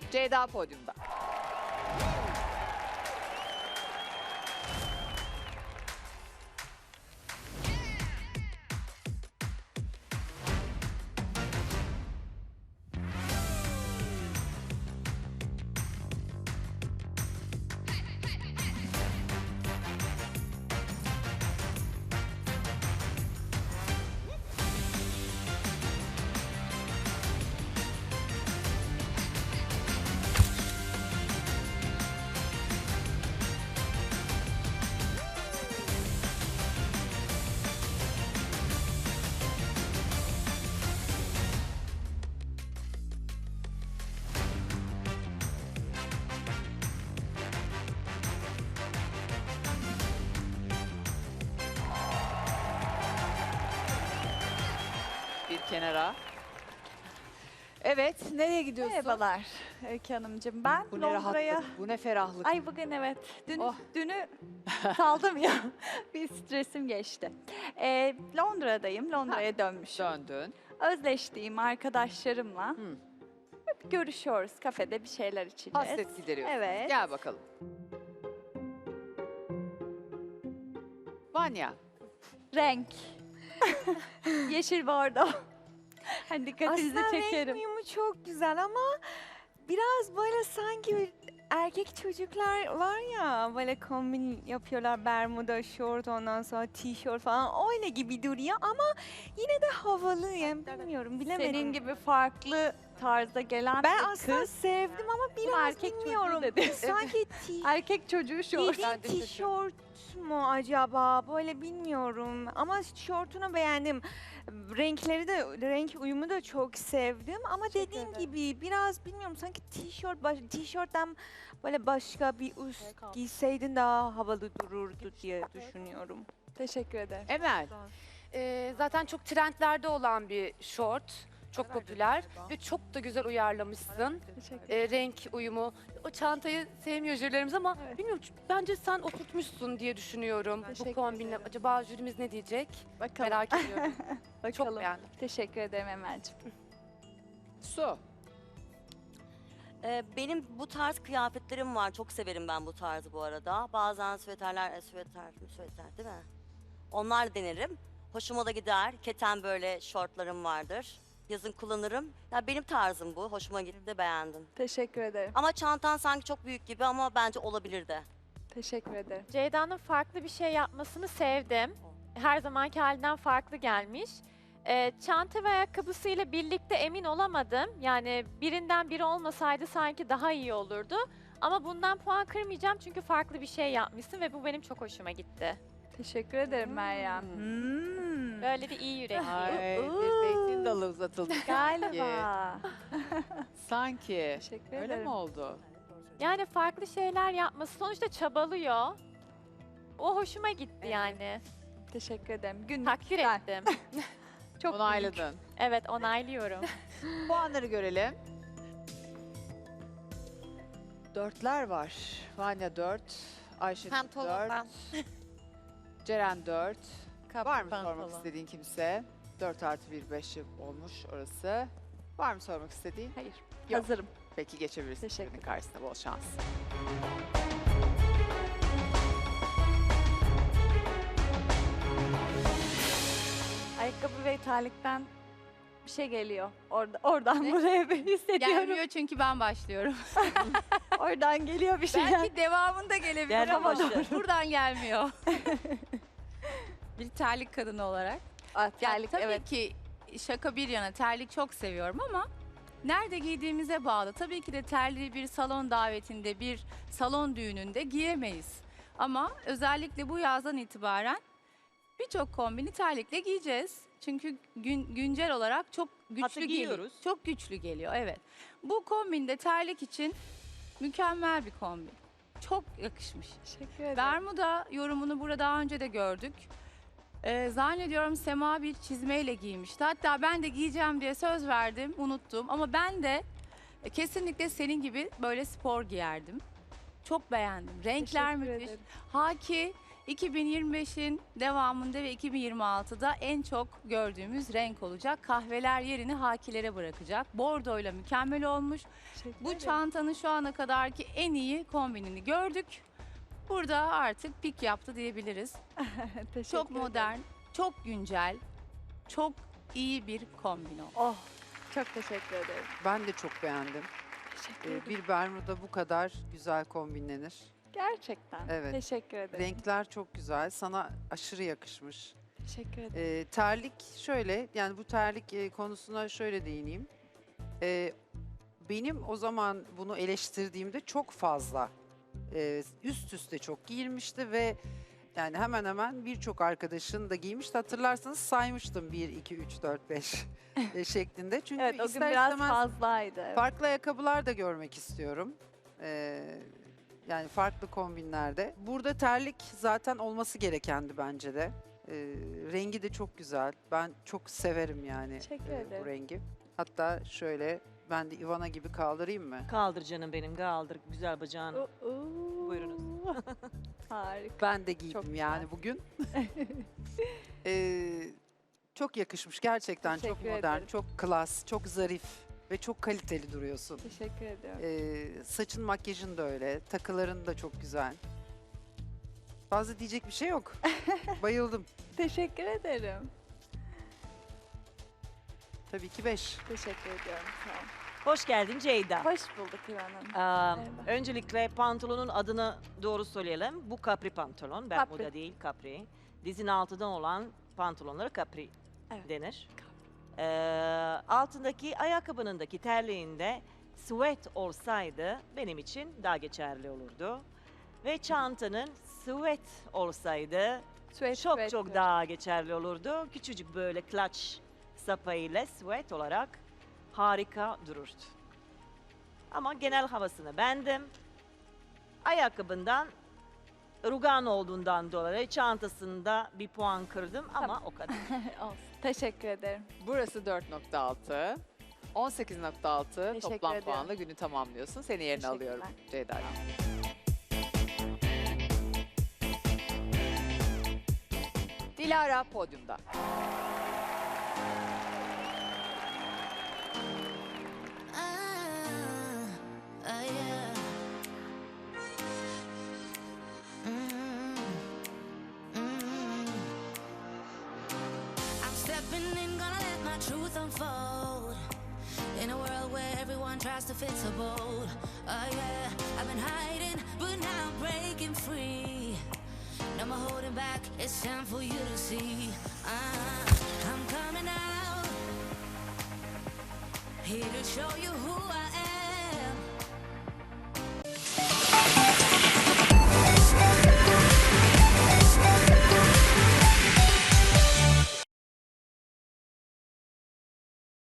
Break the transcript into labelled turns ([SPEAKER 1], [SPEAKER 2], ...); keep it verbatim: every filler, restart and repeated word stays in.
[SPEAKER 1] Ceyda podyumda. Bir kenara. Evet, nereye gidiyorsun?
[SPEAKER 2] Merhabalar Öykü Hanımcığım. Ben
[SPEAKER 1] Bu ne
[SPEAKER 2] Londra'ya...
[SPEAKER 1] rahatlık, bu ne ferahlık.
[SPEAKER 2] Ay bugün evet. Dün,
[SPEAKER 1] Oh.
[SPEAKER 2] Dünü saldım ya. Bir stresim geçti. Ee, Londra'dayım. Londra'ya dönmüşüm.
[SPEAKER 1] Döndün.
[SPEAKER 2] Özleştiğim arkadaşlarımla
[SPEAKER 1] Hı.
[SPEAKER 2] hep görüşüyoruz. Kafede bir şeyler içeceğiz.
[SPEAKER 1] Hasret gideriyorsun.
[SPEAKER 2] Evet.
[SPEAKER 1] Gel bakalım. Vanya.
[SPEAKER 2] Renk. Yeşil bordo. Hani dikkatinizi
[SPEAKER 3] Aslında
[SPEAKER 2] çekerim.
[SPEAKER 3] renk uyumu çok güzel ama biraz böyle sanki erkek çocuklar var ya böyle kombin yapıyorlar, bermuda, şort, ondan sonra tişört falan öyle gibi duruyor ama yine de havalı yani bilmiyorum bilemedim.
[SPEAKER 2] Senin gibi farklı tarzda gelen
[SPEAKER 3] ben
[SPEAKER 2] bir
[SPEAKER 3] aslında
[SPEAKER 2] kız.
[SPEAKER 3] sevdim ama biraz
[SPEAKER 2] erkek çocuğu
[SPEAKER 3] bilmiyorum.
[SPEAKER 2] dedi.
[SPEAKER 3] Sanki ti-
[SPEAKER 2] Erkek çocuğu şort.
[SPEAKER 3] giydiğin tişört mu acaba böyle bilmiyorum ama şortunu beğendim. Renkleri de renk uyumu da çok sevdim ama
[SPEAKER 2] Teşekkür
[SPEAKER 3] dediğim
[SPEAKER 2] ederim.
[SPEAKER 3] gibi biraz bilmiyorum sanki tişört baş, tişörtten böyle başka bir üst giyseydin daha havalı dururdu diye düşünüyorum.
[SPEAKER 2] Teşekkür ederim.
[SPEAKER 1] Emel.
[SPEAKER 4] Ee, zaten çok trendlerde olan bir şort. Çok popüler ve çok da güzel uyarlamışsın.
[SPEAKER 2] Teşekkür
[SPEAKER 4] Ee, renk uyumu. O çantayı sevmiyor jürilerimiz ama
[SPEAKER 2] Evet.
[SPEAKER 4] bilmiyorum bence sen oturtmuşsun diye düşünüyorum
[SPEAKER 2] Teşekkür
[SPEAKER 4] bu kombinle.
[SPEAKER 2] ederim.
[SPEAKER 4] Acaba jürimiz ne diyecek?
[SPEAKER 2] Bakalım.
[SPEAKER 4] Merak ediyorum.
[SPEAKER 2] Bakalım.
[SPEAKER 4] Çok beğendim.
[SPEAKER 2] Teşekkür ederim Emel'ciğim.
[SPEAKER 1] Su.
[SPEAKER 5] Ee, benim bu tarz kıyafetlerim var. Çok severim ben bu tarzı bu arada. Bazen süveterler, e, süveter, süveter değil mi? Onlar denerim. Hoşuma da gider. Keten böyle şortlarım vardır. Yazın kullanırım. Ya benim tarzım bu. Hoşuma gitti, beğendim.
[SPEAKER 2] Teşekkür ederim.
[SPEAKER 5] Ama çantan sanki çok büyük gibi ama bence olabilir de.
[SPEAKER 2] Teşekkür ederim.
[SPEAKER 6] Ceyda'nın farklı bir şey yapmasını sevdim. Her zamanki halinden farklı gelmiş. Ee, çanta ve ayakkabısıyla birlikte emin olamadım. Yani birinden biri olmasaydı sanki daha iyi olurdu. Ama bundan puan kırmayacağım çünkü farklı bir şey yapmışsın ve bu benim çok hoşuma gitti.
[SPEAKER 2] Teşekkür ederim Meryem. Hmm.
[SPEAKER 6] Böyle bir iyi yürekli.
[SPEAKER 1] Ay,
[SPEAKER 2] Uuu.
[SPEAKER 1] bir zeytin dalı uzatıldı.
[SPEAKER 2] Galiba.
[SPEAKER 1] Sanki.
[SPEAKER 2] Teşekkür
[SPEAKER 1] Öyle
[SPEAKER 2] ederim.
[SPEAKER 1] mi oldu?
[SPEAKER 6] Yani farklı şeyler yapması sonuçta çabalıyor. O hoşuma gitti yani.
[SPEAKER 2] Teşekkür ederim. Gün
[SPEAKER 6] Takdir
[SPEAKER 2] güzel.
[SPEAKER 6] ettim.
[SPEAKER 2] Çok büyük.
[SPEAKER 1] Onayladın.
[SPEAKER 6] Evet, onaylıyorum.
[SPEAKER 1] Puanları görelim. Dörtler var. Vanya dört, Ayşe dört, Ceren dört. Var mı sormak istediğin kimse? dört artı bir, beş olmuş orası. Var mı sormak istediğin?
[SPEAKER 2] Hayır.
[SPEAKER 1] Yok.
[SPEAKER 2] Hazırım.
[SPEAKER 1] Peki geçebilirsin.
[SPEAKER 2] Teşekkür
[SPEAKER 1] Jürinin karşısına bol şans.
[SPEAKER 2] Ayakkabı ve terlikten bir şey geliyor. Orada, oradan buraya bir hissediyorum.
[SPEAKER 7] Gelmiyor çünkü ben başlıyorum.
[SPEAKER 2] Oradan geliyor bir şeyler.
[SPEAKER 7] Belki devamında gelebilir
[SPEAKER 5] Gelme
[SPEAKER 7] ama
[SPEAKER 5] başı.
[SPEAKER 7] buradan gelmiyor. Bir terlik kadını olarak.
[SPEAKER 2] Ah,
[SPEAKER 7] Ya
[SPEAKER 2] terlik,
[SPEAKER 7] tabii
[SPEAKER 2] evet.
[SPEAKER 7] ki şaka bir yana terlik çok seviyorum ama nerede giydiğimize bağlı. Tabii ki de terliği bir salon davetinde, bir salon düğününde giyemeyiz. Ama özellikle bu yazdan itibaren birçok kombini terlikle giyeceğiz. Çünkü gün, güncel olarak çok güçlü
[SPEAKER 5] Hatta
[SPEAKER 7] geliyor.
[SPEAKER 5] giyiyoruz.
[SPEAKER 7] Çok güçlü geliyor, evet. Bu kombinde terlik için mükemmel bir kombin. Çok yakışmış.
[SPEAKER 2] Teşekkür ederim.
[SPEAKER 7] Bermuda yorumunu burada daha önce de gördük. Ee, zannediyorum Sema bir çizmeyle giymişti. Hatta ben de giyeceğim diye söz verdim, unuttum. Ama ben de e, kesinlikle senin gibi böyle spor giyerdim. Çok beğendim. Renkler
[SPEAKER 2] Teşekkür
[SPEAKER 7] müthiş.
[SPEAKER 2] ederim.
[SPEAKER 7] Haki iki bin yirmi beşin devamında ve iki bin yirmi altıda en çok gördüğümüz renk olacak. Kahveler yerini hakilere bırakacak. Bordoyla mükemmel olmuş. Bu çantanın şu ana kadarki en iyi kombinini gördük. Burada artık pik yaptı diyebiliriz.
[SPEAKER 2] Teşekkür
[SPEAKER 7] Çok
[SPEAKER 2] ederim.
[SPEAKER 7] modern, çok güncel, çok iyi bir kombin oldu.
[SPEAKER 2] Oh, çok teşekkür ederim.
[SPEAKER 1] Ben de çok beğendim.
[SPEAKER 2] Teşekkür
[SPEAKER 1] Ee,
[SPEAKER 2] ederim.
[SPEAKER 1] bir bermuda bu kadar güzel kombinlenir.
[SPEAKER 2] Gerçekten.
[SPEAKER 1] Evet.
[SPEAKER 2] Teşekkür ederim.
[SPEAKER 1] Renkler çok güzel. Sana aşırı yakışmış.
[SPEAKER 2] Teşekkür ederim.
[SPEAKER 1] Ee, terlik şöyle, yani bu terlik e, konusuna şöyle değineyim. Ee, benim o zaman bunu eleştirdiğimde çok fazla e, üst üste çok giyilmişti ve yani hemen hemen birçok arkadaşın da giymişti. Hatırlarsanız saymıştım bir, iki, üç, dört, beş e, şeklinde. Çünkü
[SPEAKER 2] Evet, o gün
[SPEAKER 1] ister
[SPEAKER 2] biraz
[SPEAKER 1] istemez
[SPEAKER 2] fazlaydı. Evet.
[SPEAKER 1] farklı ayakkabılar da görmek istiyorum. Ee, yani farklı kombinlerde. Burada terlik zaten olması gerekendi bence de. Ee, rengi de çok güzel. Ben çok severim yani
[SPEAKER 2] Teşekkür
[SPEAKER 1] e,
[SPEAKER 2] ederim.
[SPEAKER 1] bu rengi. Hatta şöyle ben de Ivana gibi kaldırayım mı?
[SPEAKER 8] Kaldır canım benim, kaldır güzel bacağını.
[SPEAKER 2] Oo.
[SPEAKER 8] Buyurunuz.
[SPEAKER 2] Harika.
[SPEAKER 1] Ben de giydim
[SPEAKER 2] Çok
[SPEAKER 1] yani
[SPEAKER 2] güzel.
[SPEAKER 1] bugün. Ee, çok yakışmış gerçekten. Çok
[SPEAKER 2] Teşekkür
[SPEAKER 1] modern,
[SPEAKER 2] ederim.
[SPEAKER 1] çok klas, çok zarif ve çok kaliteli duruyorsun.
[SPEAKER 2] Teşekkür ediyorum.
[SPEAKER 1] Ee, saçın, makyajın da öyle. Takıların da çok güzel. Fazla diyecek bir şey yok. Bayıldım.
[SPEAKER 2] Teşekkür ederim.
[SPEAKER 1] Tabii ki beş.
[SPEAKER 2] Teşekkür ediyorum. Sağ olun.
[SPEAKER 8] Hoş geldin Ceyda.
[SPEAKER 2] Hoş bulduk İvan Hanım.
[SPEAKER 8] Aa,
[SPEAKER 2] Merhaba.
[SPEAKER 8] öncelikle pantolonun adını doğru söyleyelim. Bu capri pantolon, bermuda
[SPEAKER 2] Capri.
[SPEAKER 8] değil capri. Dizin altından olan pantolonlara capri
[SPEAKER 2] Evet.
[SPEAKER 8] denir. Ee, altındaki ayakkabınındaki terliğinde sweat olsaydı benim için daha geçerli olurdu. Ve çantanın sweat olsaydı
[SPEAKER 2] Sweat,
[SPEAKER 8] çok
[SPEAKER 2] sweat
[SPEAKER 8] çok
[SPEAKER 2] diyor.
[SPEAKER 8] daha geçerli olurdu. Küçücük böyle clutch sapağıyla sweat olarak harika dururdu. Ama genel havasını beğendim. Ayakkabından rugan olduğundan dolayı çantasında bir puan kırdım ama
[SPEAKER 2] Tamam.
[SPEAKER 8] o kadar.
[SPEAKER 2] Olsun. Teşekkür ederim.
[SPEAKER 1] Burası dört nokta altı. on sekiz nokta altı
[SPEAKER 2] Teşekkür
[SPEAKER 1] toplam
[SPEAKER 2] ediyorum.
[SPEAKER 1] puanla günü tamamlıyorsun. Seni yerine alıyorum Ceyda. Dilara podyumda.
[SPEAKER 9] I'm stepping in, gonna let my truth unfold. In a world where everyone tries to fit so bold. Oh yeah, I've been hiding, but now I'm breaking free. No more holding back, it's time for you to see. Uh, I'm coming out, here to show you who I